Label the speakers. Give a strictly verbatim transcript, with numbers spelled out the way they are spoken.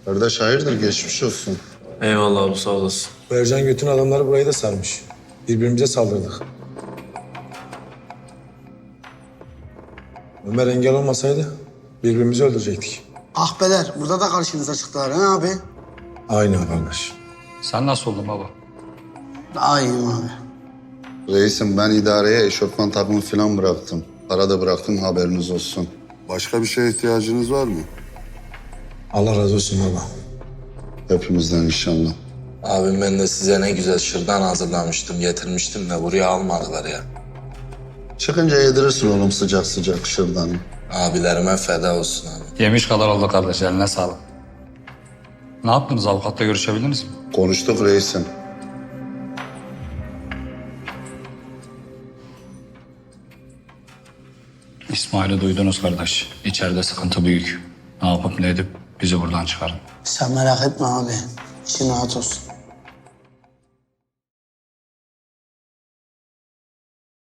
Speaker 1: Kardeş hayırdır, geçmiş olsun.
Speaker 2: Eyvallah abi, sağ olasın.
Speaker 3: Bu Ercan Göt'ün adamları burayı da sarmış. Birbirimize saldırdık. Ömer engel olmasaydı birbirimizi öldürecektik.
Speaker 4: Ahbeler burada da karşınıza çıktılar ha abi.
Speaker 3: Aynı kardeş.
Speaker 5: Sen nasıl oldun baba?
Speaker 4: Daha iyiyim abi.
Speaker 1: Reisim, ben idareye eşofman takımı falan bıraktım. Para da bıraktım, haberiniz olsun. Başka bir şeye ihtiyacınız var mı?
Speaker 3: Allah razı olsun baba.
Speaker 1: Hepimizden inşallah.
Speaker 2: Abim, ben de size ne güzel şırdan hazırlamıştım, getirmiştim de buraya almadılar ya.
Speaker 1: Çıkınca yedirirsin oğlum sıcak sıcak şırdanı.
Speaker 2: Abilerime feda olsun abi.
Speaker 5: Yemiş kadar oldu kardeş, eline sağlık. Ne yaptınız, avukatla görüşebildiniz mi?
Speaker 1: Konuştuk reisim.
Speaker 5: İsmail'i duydunuz kardeş. İçeride sıkıntı büyük. Ne yapıp ne edip bizi buradan çıkarın.
Speaker 4: Sen merak etme abi. İçin rahat olsun.